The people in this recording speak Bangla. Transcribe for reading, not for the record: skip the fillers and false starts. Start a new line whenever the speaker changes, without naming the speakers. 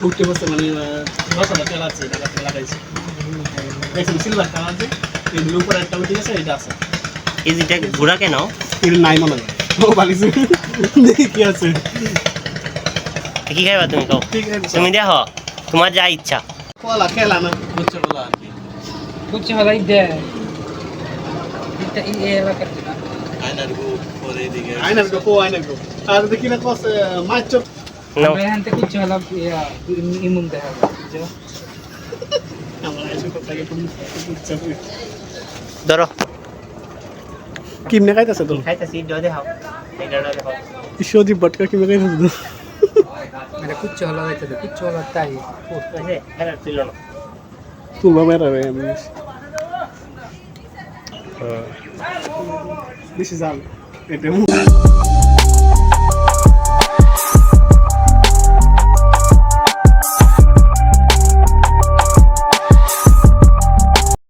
উঠতে বসতে মানে মশলা তেল আছে এটা লাগাইছে দেখছেন সিলভার কালার যে এর উপরে একটা উঠে গেছে এটা আছে
এই যেটা ঘোড়া কেন
এটা নাই মনে হয় ও বালিছে দেখি কি আছে
কি খাইবা তুমি কও
ঠিক আছে
তুমি দেখো তোমার যা ইচ্ছা
কলা খেলা না বুঝছে বলা আর কি
বুঝছি ভালো দে এটা এই এলাকার
আয়নার গো আয়নার গো আর দেখি না কস মাছ চপ
নাও
ভাই হানতে কুচ্ছি ভালো ইমুন দেখা যায়
আমার এসে কথাকে তুমি বুঝছে
ধরো
কিমনে খাইতাছে তো
খাইতাছি যদি খাও এটা দেখো
ঈশ্বরদীপ বটকা কিমনে খাইতাছে তো
এটা কুচ্ছি ভালো হইতে দে কুচ্ছি ভালো তাই
আছে এরা ছিল না
তুলবা মেরা রে আমি বেশি জাল এটা